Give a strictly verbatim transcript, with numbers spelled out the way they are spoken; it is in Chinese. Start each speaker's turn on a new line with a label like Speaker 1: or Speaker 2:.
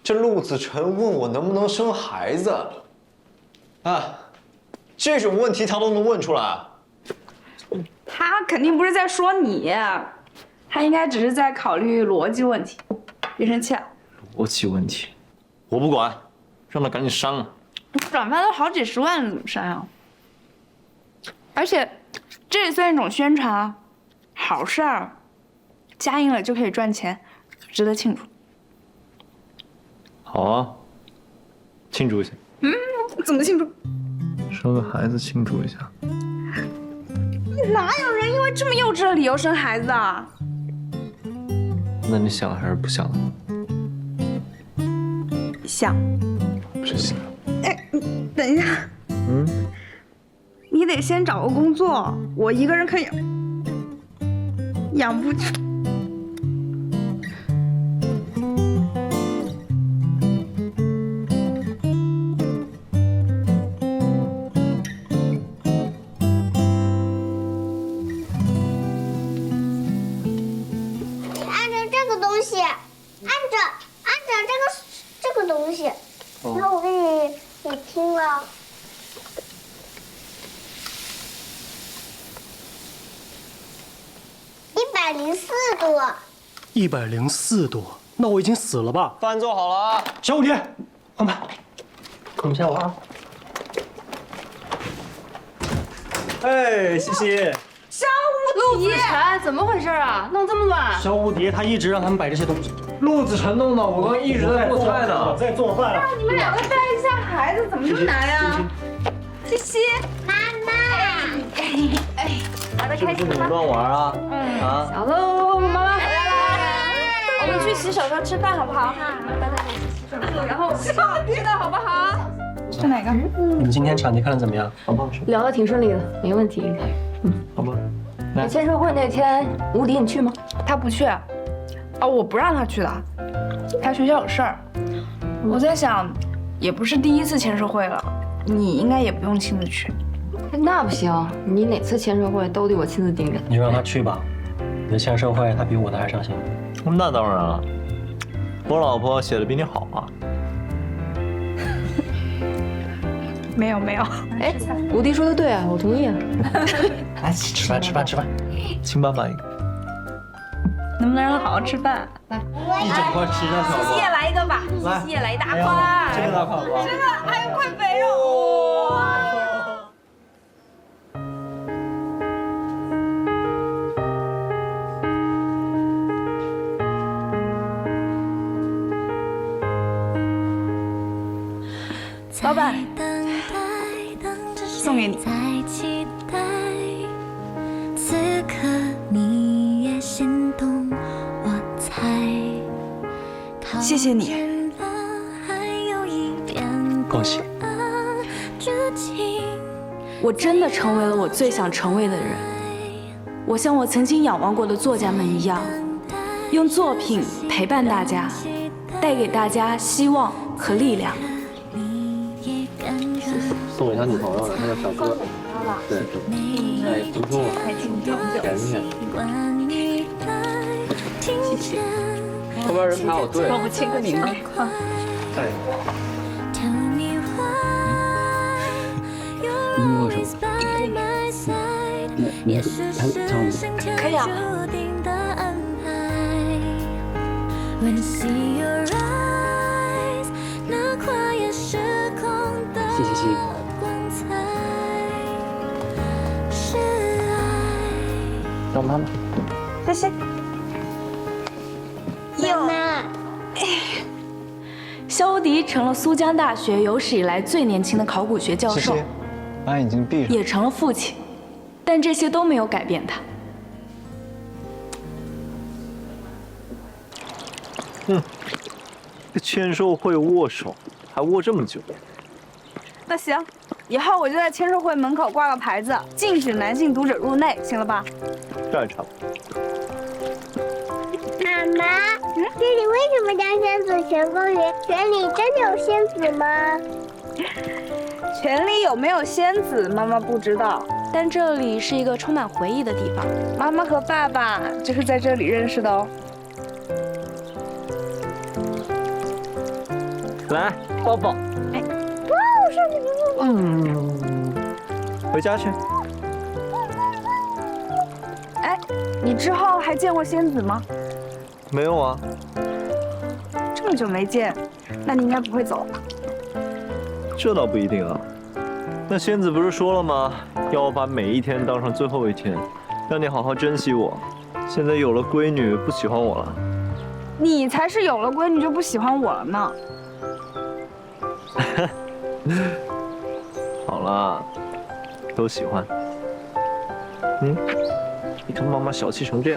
Speaker 1: 这陆子辰问我能不能生孩子，啊，这种问题他都能问出来。
Speaker 2: 他肯定不是在说你，他应该只是在考虑逻辑问题。别生气啊！
Speaker 1: 逻辑问题，我不管，让他赶紧删了。
Speaker 2: 转发都好几十万了，怎么删啊？而且，这也算一种宣传啊，好事儿，加印了就可以赚钱，值得庆祝。
Speaker 1: 好啊，庆祝一下。
Speaker 2: 嗯，怎么庆祝？
Speaker 1: 生个孩子庆祝一下。
Speaker 2: 哪有人因为这么幼稚的理由生孩子啊？
Speaker 1: 那你想还是不想？
Speaker 2: 想。
Speaker 1: 不是想。
Speaker 2: 哎，等一下。嗯。你得先找个工作，我一个人可以养不起。
Speaker 3: 一百零四度，那我已经死了吧？
Speaker 1: 饭做好了啊！
Speaker 3: 小五爹，换班，等一下我啊。哎，西西。
Speaker 4: 小五陆子辰，怎么回事啊？弄这么乱？
Speaker 3: 小五爹他一直让他们摆这些东西。
Speaker 1: 陆子辰弄的，我刚一直在做菜呢。
Speaker 3: 我在做饭。
Speaker 2: 那你们两个带一下孩子，怎么这么难呀？西西，
Speaker 5: 妈妈。
Speaker 2: 哎哎，玩的开心吗？
Speaker 1: 乱玩啊！
Speaker 2: 嗯
Speaker 1: 啊。
Speaker 4: 小鹿，妈妈回来啦！
Speaker 2: 我们去洗手间吃饭好不好？然后吃的好不好？吃哪个？
Speaker 3: 你们今天场地看的怎么样？好不好吃？
Speaker 4: 聊得挺顺利的，没问题。
Speaker 3: 嗯，好吧。
Speaker 4: 那签售会那天，吴迪你去吗？
Speaker 2: 他不去。哦，我不让他去的，他学校有事儿。我在想，也不是第一次签售会了，你应该也不用亲自去。
Speaker 4: 那不行，你哪次签售会都得我亲自盯着。
Speaker 3: 你就让他去吧，你的签售会他比我的还上心。
Speaker 1: 那当然了，我老婆写的比你好啊。
Speaker 2: 没有没有，
Speaker 4: 哎，吴迪说的对啊，我同意啊。
Speaker 3: 来，吃饭吃饭吃饭，
Speaker 1: 亲爸爸一个。
Speaker 2: 能不能让他好好吃饭？
Speaker 3: 来，一整块吃上小
Speaker 2: 西西也来一个吧，西西也来一大块。
Speaker 3: 这个大块好不好？
Speaker 2: 这个还有块肥肉。老板，送给你。此刻你也心动，我猜。谢谢你。
Speaker 3: 恭喜。
Speaker 2: 我真的成为了我最想成为的人。我像我曾经仰望过的作家们一样，用作品陪伴大家，带给大家希望和力量。
Speaker 1: 送给他女朋友的，他叫小哥。对，哎，不错，甜甜。谢谢。后边人排好队。
Speaker 2: 帮我签个名吧。
Speaker 1: 哎。
Speaker 6: 你握手。你你还唱吗？
Speaker 2: 可以啊。
Speaker 6: 谢谢谢谢。让妈妈。
Speaker 2: 谢谢。
Speaker 5: 妈妈，
Speaker 2: 肖迪成了苏江大学有史以来最年轻的考古学教授，
Speaker 1: 谢谢。把眼睛闭上。
Speaker 2: 也成了父亲，但这些都没有改变他。
Speaker 1: 嗯，这签售会握手还握这么久。
Speaker 2: 那行，以后我就在签售会门口挂个牌子，禁止男性读者入内，行了吧？
Speaker 1: 这样差不多。
Speaker 5: 妈妈，这里为什么叫仙子泉公园？泉里真的有仙子吗？
Speaker 2: 泉里有没有仙子，妈妈不知道，但这里是一个充满回忆的地方。妈妈和爸爸就是在这里认识的哦。
Speaker 1: 来抱抱。
Speaker 2: 哎，
Speaker 5: 哇，上次给我。
Speaker 1: 嗯，回家去。
Speaker 2: 哎，你之后还见过仙子吗？
Speaker 1: 没有啊。
Speaker 2: 这么久没见，那你应该不会走吧？
Speaker 1: 这倒不一定啊。那仙子不是说了吗？要我把每一天当成最后一天，让你好好珍惜我。现在有了闺女，不喜欢我了。
Speaker 2: 你才是有了闺女就不喜欢我了呢。
Speaker 1: 好啦，都喜欢。嗯，你看妈妈小气成这样。